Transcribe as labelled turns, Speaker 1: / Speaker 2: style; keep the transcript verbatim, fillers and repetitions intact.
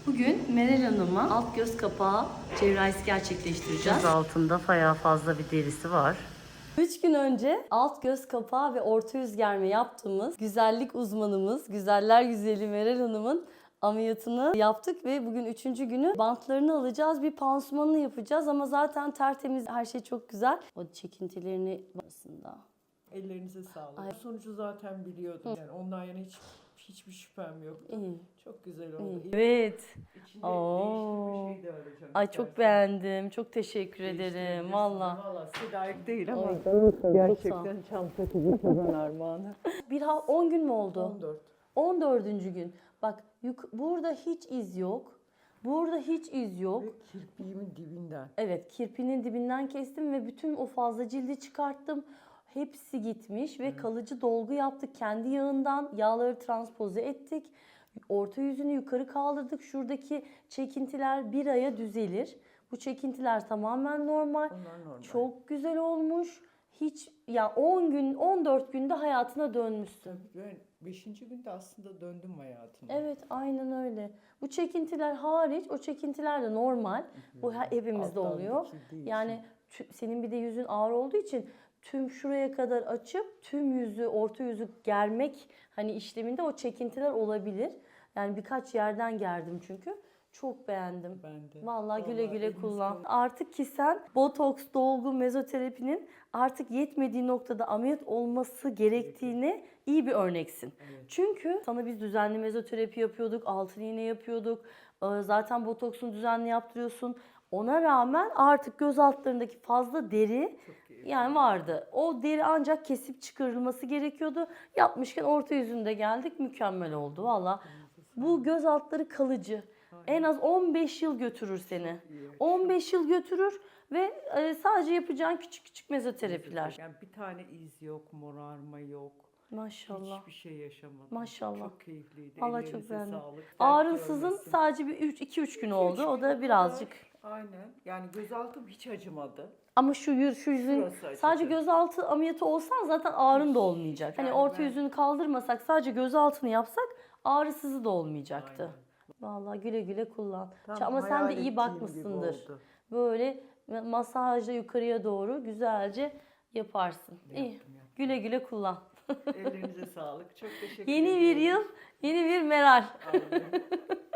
Speaker 1: Bugün Meral Hanım'a alt göz kapağı cerrahisi gerçekleştireceğiz. Göz altında bayağı fazla bir derisi var. üç gün önce alt göz kapağı ve orta yüz germe yaptığımız güzellik uzmanımız, güzeller güzeli Meral Hanım'ın ameliyatını yaptık ve bugün üçüncü günü bantlarını alacağız, bir pansumanını yapacağız ama zaten tertemiz, her şey çok güzel. O çekintilerini aslında.
Speaker 2: Ellerinize sağlık.
Speaker 1: Ay.
Speaker 2: Sonucu zaten biliyordum. Yani ondan yana hiç hiçbir şüphem yoktu.
Speaker 1: İyi.
Speaker 2: Çok güzel oldu.
Speaker 1: İyi. Evet.
Speaker 2: İçinde
Speaker 1: Oo.
Speaker 2: değişik bir şey de arayacağım.
Speaker 1: Ay çok
Speaker 2: istersen.
Speaker 1: beğendim. Çok teşekkür
Speaker 2: Değiştirebilirsin.
Speaker 1: ederim. Valla.
Speaker 2: Valla size layık değil ama
Speaker 1: Ay,
Speaker 2: gerçekten çam sakızı kazan armağanı.
Speaker 1: Bir ha on gün mü oldu?
Speaker 2: on dört.
Speaker 1: on dördüncü gün. Bak yuk- burada hiç iz yok. Burada hiç iz yok.
Speaker 2: Ve kirpiğimin dibinden.
Speaker 1: Evet, kirpinin dibinden kestim ve bütün o fazla cildi çıkarttım. Hepsi gitmiş ve kalıcı dolgu yaptık. Kendi yağından yağları transpoze ettik. Orta yüzünü yukarı kaldırdık. Şuradaki çekintiler bir aya düzelir. Bu çekintiler tamamen normal.
Speaker 2: Onlar normal.
Speaker 1: Çok güzel olmuş. Hiç ya on gün, on dört günde hayatına dönmüşsün.
Speaker 2: Tabii ben beşinci günde aslında döndüm hayatıma.
Speaker 1: Evet, aynen öyle. Bu çekintiler hariç, o çekintiler de normal. Bu he- hepimizde
Speaker 2: Alttan
Speaker 1: oluyor.
Speaker 2: dikildiği
Speaker 1: Yani tü- senin bir de yüzün ağır olduğu için tüm şuraya kadar açıp tüm yüzü, orta yüzü germek hani işleminde o çekintiler olabilir. Yani birkaç yerden gerdim çünkü. Çok beğendim.
Speaker 2: Ben de.
Speaker 1: Vallahi güle
Speaker 2: Vallahi
Speaker 1: güle
Speaker 2: elinize
Speaker 1: kullan.
Speaker 2: sağlık.
Speaker 1: Artık ki sen botoks, dolgu, mezoterapinin artık yetmediği noktada ameliyat olması gerektiğini iyi bir örneksin.
Speaker 2: Evet.
Speaker 1: Çünkü sana biz düzenli mezoterapi yapıyorduk, altın iğne yapıyorduk. Ee, Zaten botoksunu düzenli yaptırıyorsun. Ona rağmen artık göz altlarındaki fazla deri
Speaker 2: Çok iyi.
Speaker 1: yani vardı. O deri ancak kesip çıkarılması gerekiyordu. Yapmışken orta yüzünde geldik. Mükemmel oldu valla. Bu göz altları kalıcı. En az on beş yıl götürür seni.
Speaker 2: iyi.
Speaker 1: on beş yıl götürür ve e, sadece yapacağın küçük küçük mezoterapiler.
Speaker 2: Yani bir tane iz yok, morarma yok.
Speaker 1: Maşallah.
Speaker 2: Hiçbir şey yaşamadım.
Speaker 1: Maşallah.
Speaker 2: Çok keyifliydi.
Speaker 1: Vallahi çok
Speaker 2: Ellerinize
Speaker 1: beğendim.
Speaker 2: sağlık. Dert
Speaker 1: Ağrısızın
Speaker 2: görmesin.
Speaker 1: sadece bir iki üç gün oldu.
Speaker 2: Üç
Speaker 1: O
Speaker 2: gün
Speaker 1: da birazcık.
Speaker 2: kadar. Aynen. Yani gözaltım hiç acımadı.
Speaker 1: Ama şu yüz, şu yüzün
Speaker 2: Şurası acıdı.
Speaker 1: sadece gözaltı ameliyatı olsan zaten ağrın da olmayacak. Hani
Speaker 2: Yani
Speaker 1: orta
Speaker 2: ben-
Speaker 1: yüzünü kaldırmasak sadece gözaltını yapsak ağrısızı da olmayacaktı.
Speaker 2: Aynen.
Speaker 1: Vallahi güle güle kullan.
Speaker 2: Tam
Speaker 1: Ama sen
Speaker 2: hayal
Speaker 1: de iyi
Speaker 2: ettiğim
Speaker 1: bakmışsındır.
Speaker 2: gibi oldu.
Speaker 1: Böyle masajla yukarıya doğru güzelce yaparsın. İyi.
Speaker 2: Yaptım, yaptım.
Speaker 1: Güle güle kullan.
Speaker 2: Ellerinize sağlık. Çok teşekkür
Speaker 1: Yeni
Speaker 2: ederim.
Speaker 1: bir yıl, yeni bir Meral.
Speaker 2: Aynen.